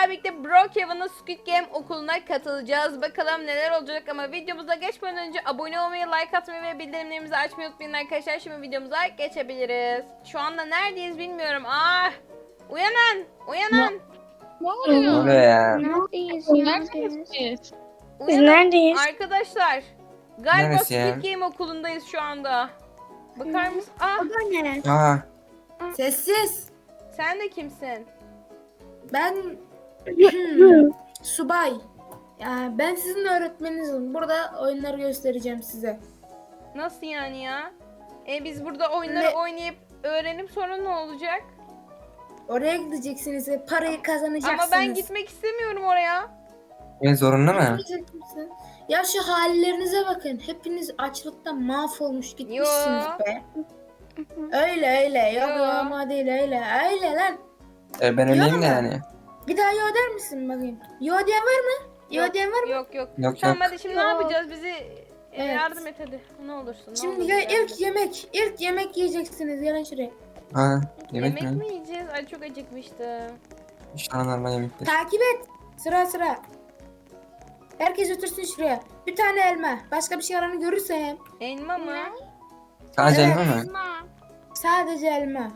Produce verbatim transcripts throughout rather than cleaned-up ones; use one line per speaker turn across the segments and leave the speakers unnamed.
sizlerle birlikte Brookhaven'ın Squid Game okuluna katılacağız. Bakalım neler olacak ama videomuza geçmeden önce abone olmayı, like atmayı ve bildirimlerimizi açmayı unutmayın arkadaşlar. Şimdi videomuza geçebiliriz. Şu anda neredeyiz bilmiyorum. Ah! Uyanın! Uyanın!
Ne
Ne
oluyor?
oluyor ya?
Neredeyiz
Neredesiniz
ya?
siz?
Biz
Uyanın
neredeyiz?
arkadaşlar. Galiba
Neresi ya?
Squid Game okulundayız şu anda. Bakar mısın? Ah!
O da ne?
Aa,
Sessiz.
Sen de kimsin?
Ben hmm, subay. Ya ben sizin öğretmeninizim. Burada oyunları göstereceğim size.
Nasıl yani ya? E biz burada oyunları
Ne?
oynayıp öğrenip sonra ne olacak?
Oraya gideceksiniz ve parayı kazanacaksınız.
Ama ben gitmek istemiyorum oraya.
ben zorunlu mu?
Gitmeyecek misin? Ya şu hallerinize bakın. Hepiniz açlıktan mahvolmuş gitmişsiniz
Yo.
be. Öyle öyle. Yok
Yo.
yo ama değil öyle. Öyle lan.
E, ben öyleyim de
Yok.
yani.
Bir daha yo der misin bakayım? Yo diyen var mı? Yo
Yok,
diyen var mı?
Yok yok.
Yok
Tamam
yok.
hadi şimdi ne
Yok.
yapacağız? Bizi e,
Evet.
yardım et hadi. Ne olursun. Ne
Şimdi
olursun
ya
yardım et.
ilk yemek. İlk yemek yiyeceksiniz. Gelin şuraya.
Ha, yemek,
Yemek
mi?
mi yiyeceğiz? Ay çok acıkmıştım.
Şu an normal yemektir.
Takip et. Sıra sıra. Herkes otursun şuraya. Bir tane elma. Başka bir şey aranı görürsem.
Elma mı?
Sadece
Evet.
elma mı?
Sadece elma.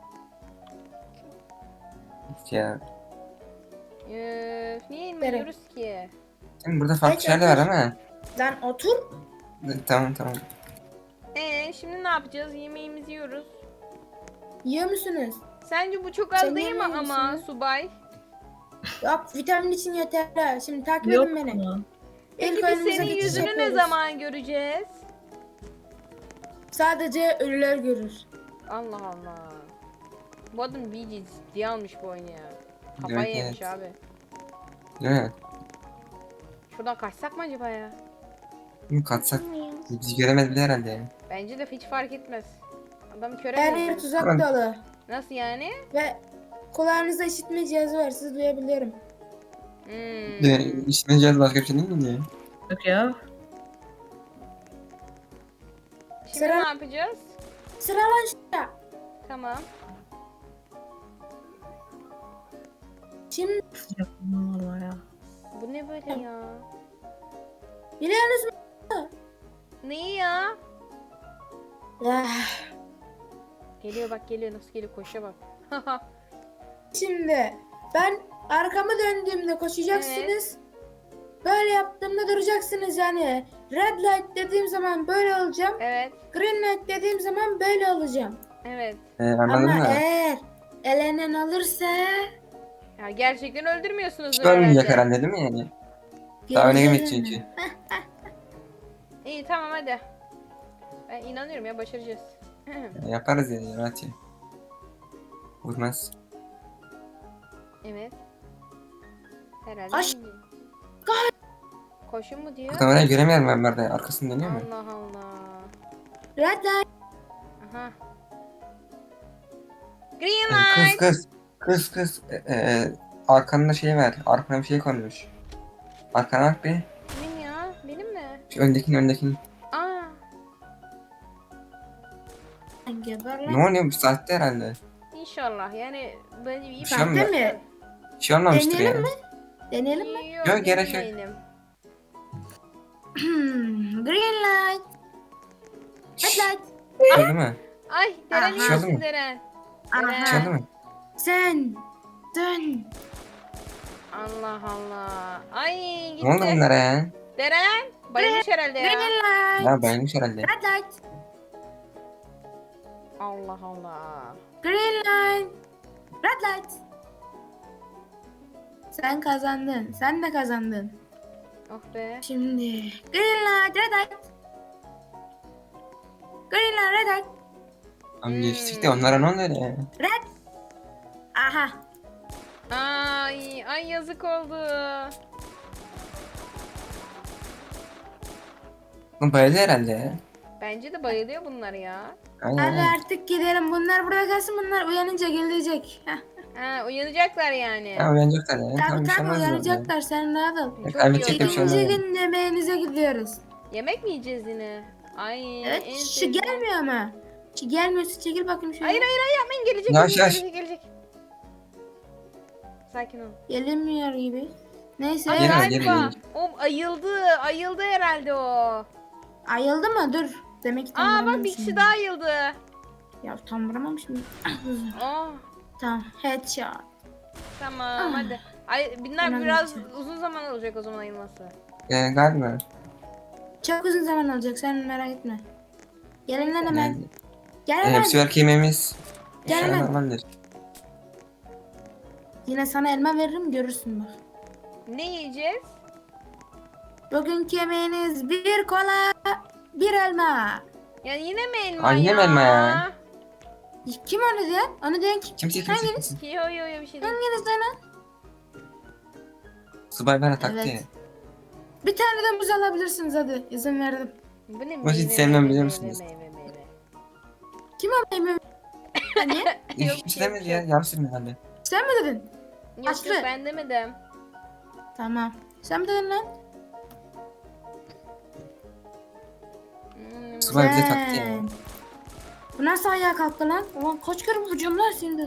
Hiç ya.
Öf, niye elma
Bere.
yiyoruz ki?
Şimdi burada farklı
Kaç
şeyler var
yapmış?
ama.
Lan otur.
Tamam tamam.
Ee şimdi ne yapacağız? Yemeğimizi yiyoruz.
Yiyor musunuz?
Sence bu çok az
Sen
değil mi
yemiyor
ama
musun?
subay?
Yok vitamin için yeterli. Şimdi takip
Yok
edin beni.
mu?
Peki
İlk
biz
oyunumuza
senin
geçiş
yüzünü ne
yapıyoruz.
zaman göreceğiz?
Sadece ölüler görür.
Allah Allah. Bu adam iyice ciddiye almış bu oyunu ya. Kafayı
Evet,
yemiş
evet.
abi.
Değil mi?
Şuradan kaçsak mı acaba ya?
Bunu katsak bizi göremez bile herhalde yani.
Bence de hiç fark etmez. Adam köre
Her
mi
yer
oldu?
tuzak
Tamam.
dolu.
Nasıl yani?
Ve kulağınızda işitme cihazı var. Sizi duyabiliyorum.
Hmm.
Yani işine cihaz başka bir şey değil mi diye.
Yok ya.
Şimdi
Sıra-
ne yapacağız?
Sıra lan şuraya.
Tamam.
Şimdi
Yok normal ya.
Bu ne böyle ya?
biliyorsunuz mu?
Neyi ya?
Ah,
Geliyor bak geliyor nasıl geliyor koşa bak.
Şimdi ben arkamı döndüğümde koşacaksınız. Böyle yaptığımda duracaksınız yani. Red light dediğim zaman böyle olacağım.
Evet.
Green light dediğim zaman böyle olacağım.
Evet.
Ee, anladın
Ama
mı?
eğer elenen alırsa
Ya gerçekten öldürmüyorsunuz
Hiç olmayacak
herhalde.
herhalde değil mi yani? Daha öne
göreceğiz
gitmeyecek
onu.
çünkü.
İyi tamam hadi. Ben inanıyorum ya başaracağız.
Yaparız yani rahat ya. Vurmaz.
Evet. Herhalde.
Koş.
iyi. Koşun mu diyor?
Buradan oraya göremiyorum ben burada. Arkasını dönüyor mu?
Allah Allah.
Red light.
Aha. Green
Ee,
light.
Kız kız. Kız kız. Ee, e, arkanda şey var. Arkana bir şey konmuş. Arkana bak bir.
Kimin ya? Benim mi?
Şu öndekinin öndekinin.
Aa.
Geber
Ne
lan.
oluyor bu saatte herhalde?
İnşallah yani böyle iyi
Bir şey olmuyor.
Sahte mi?
Bir şey olmamıştır
Deneyelim
ya.
mi? Deneyelim mi?
Yok,
Yok, gerek yok.
denemeyelim.
Hmm, green light. Red
Şşş.
light.
Çaldı mı?
Ay Deren
Aha.
iyi
Çaldı
misin
mı?
Deren?
Aha.
Çaldı mı?
Sen. Dön.
Allah Allah. Ay gitti.
Ne oldu bunlara ya?
Deren bayılmış herhalde ya.
Green light.
Ya bayılmış herhalde.
Red light.
Allah Allah.
Green light. Red light. Sen kazandın. Sen de kazandın.
Oh be.
Şimdi green light, red light. Green light, red light.
Ama geçtik de onlara ne oldu öyle ya?
Red. Aha.
Ay ay yazık oldu.
Bu bayıldı herhalde ya.
Bence de bayılıyor bunlar ya.
Hadi
Aynen.
artık gidelim. Bunlar burada kalsın. Bunlar uyanınca gelecek. Heh.
Ha uyanacaklar yani.
Ya uyanacaklar ya.
Tabii
Tamam bir şey
tabii
olmaz ya.
uyanacaklar. Sen rahat ol.
Ya
Çok
kaybedecek
iyi
bir şey
oldu.
olmaz.
İkinci
yani.
gün yemeğinize gidiyoruz.
Yemek mi yiyeceğiz yine? Ay
Evet.
en
Şu
sevdiğim.
gelmiyor ama. Şu gelmiyorsa çekil bakayım şöyle.
Hayır hayır hayır yapmayın gelecek
Yavaş,
gelecek,
yavaş.
gelecek gelecek. Sakin ol.
Gelinmiyor gibi. Neyse.
Ay,
Gelir,
galiba.
gelir, gelir.
O ayıldı. Ayıldı herhalde o.
Ayıldı mı? Dur. Demek ki tam
Aa bak bir
vuramamışım.
kişi daha ayıldı.
Ya tam vuramamışım.
Oh.
Tamam. Headshot.
Tamam
Ah.
hadi. Ay bunlar
Önemli
biraz
bir şey.
uzun zaman olacak o zaman ayılması.
Ee, galiba.
Çok uzun zaman alacak. Sen merak etme. Gelin lan hemen.
Yani,
Gel
e,
hemen.
hepsi belki yemeğimiz.
Gel
İnşallah
hemen.
normaldir.
Yine sana elma veririm görürsün bak.
Ne yiyeceğiz?
Bugünkü yemeğiniz bir kola, bir elma.
Ya yine mi elma
Ay,
ya?
yine mi elma ya?
Kim onu diyen? Onu diyen kim?
Kimse kimse
Hanginiz?
kimse.
Yo yo yo bir şey değil.
Hanginiz lan?
Subay bana taktı
Evet.
ya.
Bir tane de muz alabilirsiniz hadi. İzin verdim.
Bu ne
Bunu hiç
meyve,
sevmem
meyve,
biliyor
meyve,
musunuz?
meyve, meyve.
Kim o meyve? Hani?
Hiç
Yok,
kimse
yok,
demedi
yok.
ya. Yanlış mı herhalde?
Sen mi dedin?
Yok
Aslı.
yok ben demedim.
Tamam. Sen mi dedin lan?
Hmm,
Subay bize taktı ya.
Sen. Bu nasıl ayağa kalktı lan? Ulan kaç kere vuracağım lan şimdi?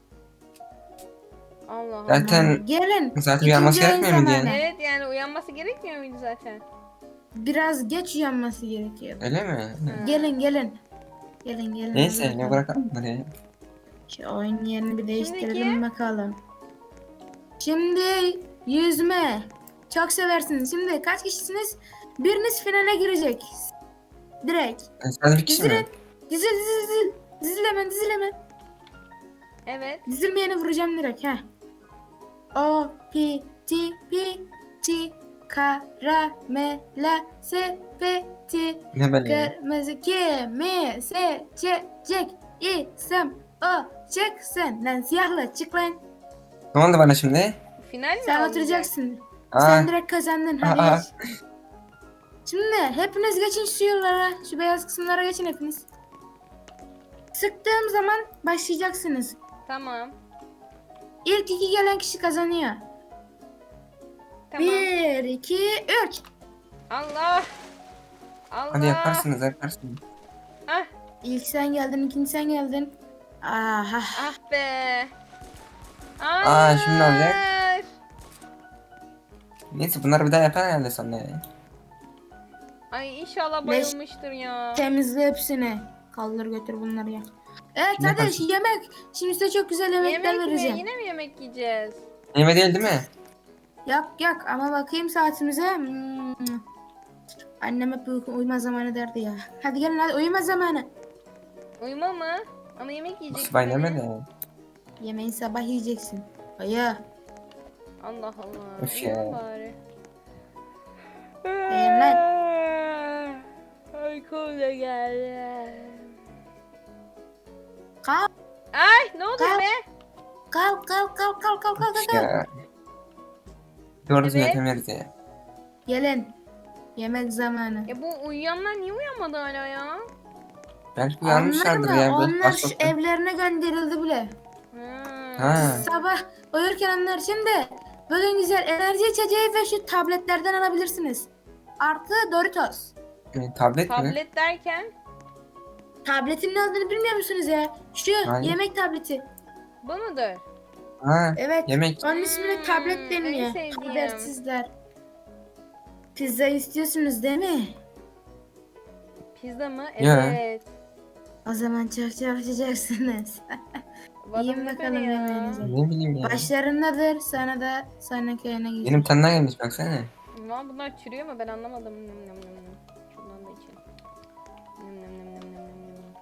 Allah Allah.
Zaten
Gelin.
zaten uyanması
İkinci
gerekmiyor mu
zamanı.
diye.
Evet yani uyanması gerekmiyor muydu zaten?
Biraz geç uyanması gerekiyor.
Öyle mi?
Ha.
Gelin gelin. Gelin gelin.
Neyse
hadi
ne
bakalım.
bırakalım bunları ya.
Şu oyun yerini bir değiştirelim
Şimdiki?
bakalım. Şimdi yüzme. Çok seversiniz. Şimdi kaç kişisiniz? Biriniz finale girecek. Direkt.
Yani sadece bir kişi mi?
Dizilin. Dizil dizil dizil. Dizil hemen dizil hemen.
Evet.
Dizilmeyeni vuracağım direkt. Heh. O, P, T, P, T, karamela, sepeti,
Ne böyle ya?
kırmızı kimi seçecek isem o çıksın. Lan siyahla çık lan.
Ne oldu bana şimdi?
Final mi
Sen
olacak?
oturacaksın.
Aa,
Sen direkt kazandın. Hadi
Aa.
geç. Şimdi hepiniz geçin şu yollara. Şu beyaz kısımlara geçin hepiniz. Sıktığım zaman başlayacaksınız.
Tamam.
İlk iki gelen kişi kazanıyor.
Tamam.
Bir, iki, üç.
Allah. Allah.
hadi yaparsınız yaparsınız.
Ah,
İlk sen geldin, ikinci sen geldin. Aha.
ah be.
Aa, şimdi ne olacak?
Hayır.
Neyse bunları bir daha yapar herhalde sonra ya.
Ay inşallah
Leş-
bayılmıştır ya.
Temizle hepsini. Kaldır götür bunları ya. Evet
Ne
hadi
kaç-
yemek. Şimdi size çok güzel yemekler
Yemek mi?
vereceğim.
Yine mi yemek yiyeceğiz?
Yeme değil değil mi?
Yok yok ama bakayım saatimize. Hmm. Annem hep uyku, uyuma zamanı derdi ya. Hadi gelin hadi uyuma zamanı.
Uyuma mı? Ama yemek yiyecek.
Subay yeme de.
Yemeği sabah yiyeceksin. Hayır.
Allah Allah.
Üf
Uyuma
ya.
bari.
Beğenmez.
Uykum da geldi.
Kalk
Ay ne oldu
Kalk.
be?
kalk kalk kalk kalk kalk kalk.
Üf
kalk.
ya. Doğru düzgün
Evet.
yapamıyoruz ya.
Gelin. Yemek zamanı.
Ya bu uyuyanlar niye uyanmadı hala ya?
Belki
Onlar
uyanmışlardır
mı?
ya. Belki
Onlar şu
başka-
evlerine gönderildi bile.
Ha.
Ha.
Sabah uyurken onlar şimdi bugün güzel enerji içeceği ve şu tabletlerden alabilirsiniz. Artı Doritos.
E, tablet mi?
Tablet derken
Tabletin ne olduğunu bilmiyor musunuz ya? Şu
Hayır.
yemek tableti.
bu mudur?
Ha,
Evet.
yemek.
Onun ismini
Hmm,
tablet
en
deniyor.
sevdiğim.
Habersizler. Pizza istiyorsunuz değil mi?
Pizza mı?
Ya.
Evet.
O zaman çok çalışacaksınız.
Bu adam
Yiyin
ne
bakalım
böyle ya?
yemeğinizi.
Ne bileyim ya.
Başlarındadır. Sana da sana köyüne gideceğim.
Benim tanına gelmiş baksana.
Lan bunlar çürüyor mu? Ben anlamadım. Nım nım nım nım. Şundan da içelim. Nım nım nım nım nım nım nım.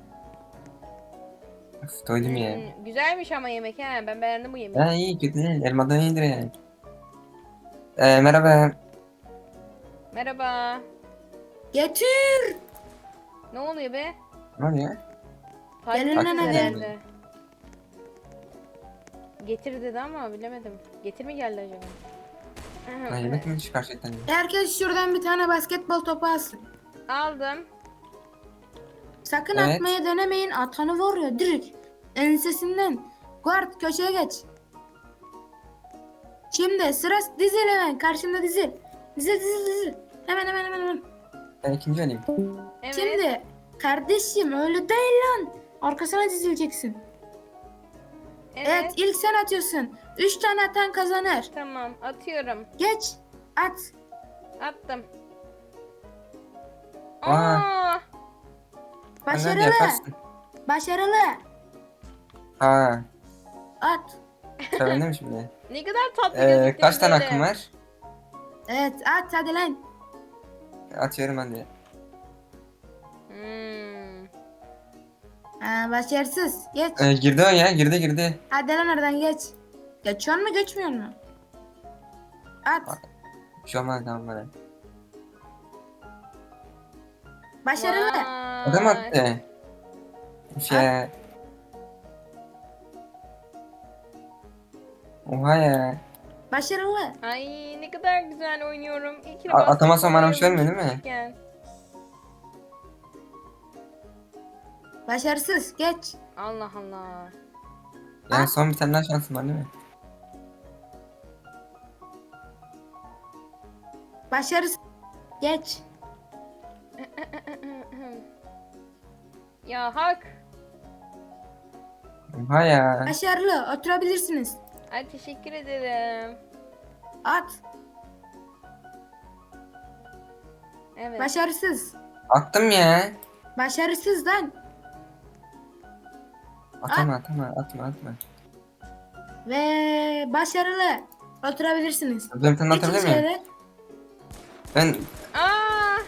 Of, doydum ya.
Hmm, güzelmiş ama yemek he. Ben beğendim bu yemeği.
Ha iyi kötü değil. Elmadan iyidir yani. Ee, merhaba.
Merhaba.
Getir.
Ne oluyor be?
Ne oluyor?
Fark
Gelin
ettiniz
lan hadi.
herhalde. Getir dedi ama bilemedim. Getir mi geldi acaba?
Ha, yemek mi çıkar şeytan ya?
Herkes şuradan bir tane basketbol topu alsın.
Aldım.
Sakın
Evet.
atmaya denemeyin. Atanı vuruyor direkt. Ensesinden. Guard köşeye geç. Şimdi sıra dizil hemen. Karşımda dizil. Dizil dizil dizil. Hemen hemen hemen hemen.
Ben ikinci olayım.
Evet.
Şimdi kardeşim öyle değil lan. Arkasına dizileceksin.
Evet.
Evet, ilk sen atıyorsun. Üç tane atan kazanır.
Tamam, atıyorum.
Geç. At.
Attım.
Aa.
Aa!
Sen de
Başarılı.
yaparsın.
Başarılı.
Ha.
At.
Sevindim şimdi.
Ne kadar tatlı
Ee,
gözüktü
kaç tane
böyle.
hakkım var?
Evet, at hadi lan.
Atıyorum hadi.
Hmm.
Ha, başarısız. Geç.
Ee, girdi o ya, girdi girdi.
Hadi lan oradan geç. Geçiyor mu geçmiyor mu? At.
Bir şey olmaz tamam bana.
Başarılı.
Vay.
Adam attı. Şey. Oha ya.
Başarılı.
Ay ne kadar güzel oynuyorum. İyi ki de
A-
bastım.
atamazsam bana bir şey
Oynuyorum
vermiyor değil mi?
küçükken.
Başarısız. Geç.
Allah Allah.
Yani son bir tane daha şansım var değil mi?
Başarısız. Geç.
Ya hak.
Oha ya.
Başarılı. Oturabilirsiniz.
Ay teşekkür ederim.
At.
Evet.
Başarısız.
Attım ya.
Başarısız lan.
Atma atma atma atma.
Ve başarılı. Oturabilirsiniz.
Ben bir tane
Geçin
atabilir miyim?
şöyle.
Ben
Aa!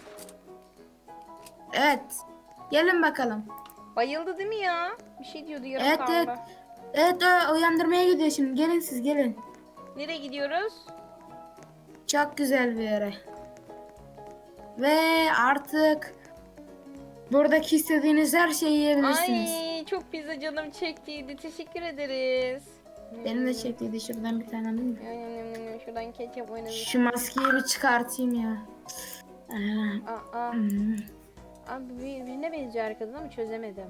Evet. Gelin bakalım.
Bayıldı değil mi ya? Bir şey diyordu yarım
Evet,
kaldı.
evet. Evet, o uyandırmaya gidiyor şimdi. Gelin siz gelin.
Nereye gidiyoruz?
Çok güzel bir yere. Ve artık buradaki istediğiniz her şeyi yiyebilirsiniz.
Ay çok pizza canım çektiydi. Teşekkür ederiz.
Benim de çektiydi. Şuradan bir tane alayım mı?
Yum, yum, yum, yum. Şuradan ketçap oynadık.
Şu maskeyi bir çıkartayım ya. Aa,
Aa, aa.
hmm.
Abi bir- birine benziyor arkadan ama çözemedim.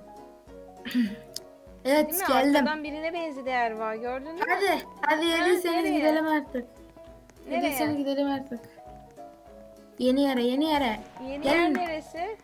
Evet
Değil mi?
geldim.
Arkadan birine benzedi Erva. Gördün mü?
Hadi. Hadi yediyseniz
nereye?
gidelim artık.
Nereye?
Yediyseniz gidelim artık. Yeni yere yeni yere.
Yeni
Gelin.
yer neresi?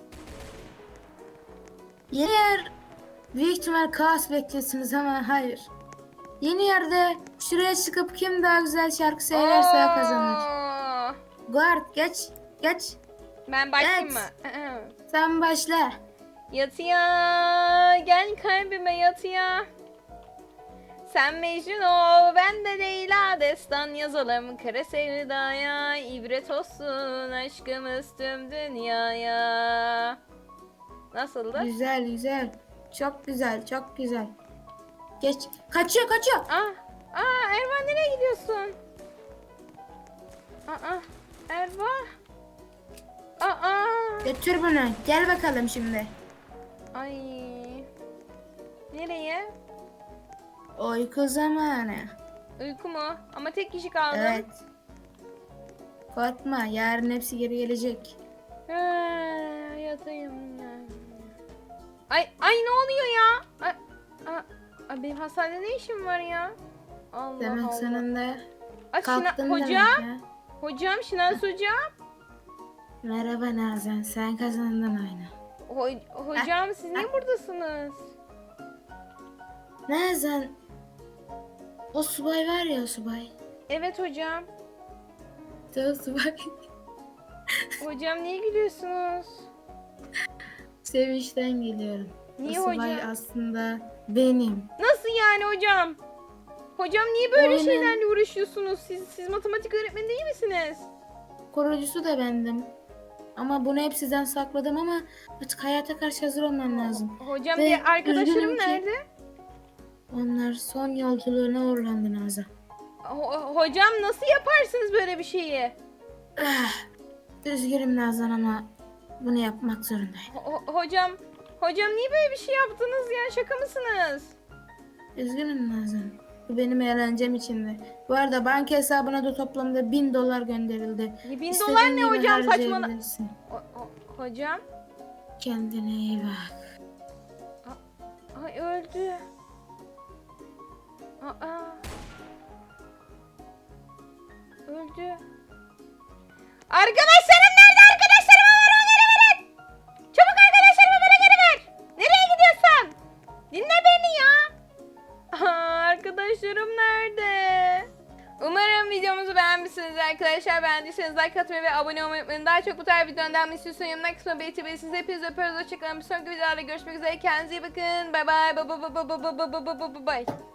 Yeni yer büyük ihtimal kaos bekliyorsunuz ama hayır. Yeni yerde şuraya çıkıp kim daha güzel şarkı söylerse o kazanır.
Oo!
Guard geç. Geç.
Ben başlayayım
Evet.
mı?
Sen başla.
Yatıya gel kalbime yatıya. Sen Mecnun ol ben de Leyla, destan yazalım kara sevdaya, ibret olsun aşkımız tüm dünyaya. Nasıldı?
Güzel güzel. Çok güzel çok güzel. Geç. Kaçıyor kaçıyor.
Ah, aa Erva nereye gidiyorsun? Aa, Erva. Aa,
Götür bunu. Gel bakalım şimdi.
ay. Nereye?
Uyku zamanı.
Uyku mu? Ama tek kişi kaldım.
Evet. Korkma yarın hepsi geri gelecek.
Ha, yatayım ya. Ay ay ne oluyor ya? Ay, a, a, benim hastanede ne işim var ya? Allah
Demek
Allah.
sonunda
Ay, Şina-
kalktın
hocam,
demek ya.
hocam, Şinans hocam.
Merhaba Nazan sen kazandın oyunu.
Ho- hocam siz niye buradasınız?
Nazan o subay var ya o subay.
Evet hocam.
İşte o subay.
Hocam niye gülüyorsunuz?
Sevinçten geliyorum.
Niye
o subay
hocam?
aslında benim.
Nasıl yani hocam? Hocam niye böyle
Oyunun-
şeylerle uğraşıyorsunuz? Siz siz matematik öğretmeni değil misiniz?
Kurucusu da bendim. Ama bunu hep sizden sakladım ama artık hayata karşı hazır olmam lazım.
Hocam
Ve
diğer arkadaşlarım
üzgünüm ki-
nerede?
Onlar son yolculuğuna uğurlandı Nazan.
Ho- hocam nasıl yaparsınız böyle bir şeyi?
Ah, üzgünüm Nazan ama bunu yapmak zorundayım.
Ho- hocam, hocam niye böyle bir şey yaptınız ya? Şaka mısınız?
Üzgünüm Nazan. Bu benim eğlencem içindi. Bu arada banka hesabına da toplamda bin dolar gönderildi.
Ya bin
İstediğin
dolar ne
gibi
hocam saçmala...
harcayabilirsin.
O- o- hocam,
Kendine iyi bak.
ay öldü. Aa. Öldü. Arkadaşlarım nerede? Arkadaşlarıma ver onları verin. Çabuk arkadaşlarımı bana geri ver. Nereye gidiyorsun? Dinle beni ya. arkadaşlarım nerede? Umarım videomuzu beğenmişsiniz arkadaşlar. Beğendiyseniz like atmayı ve abone olmayı unutmayın. Daha çok bu tarz videodan devam istiyorsanız yorumlar kısmına belirtebilirsiniz. Hepinizi öpüyoruz. Hoşçakalın. Bir sonraki videolarda görüşmek üzere. Kendinize iyi bakın. Bay bay. Bay bay bay bay bay bay bay bay bay.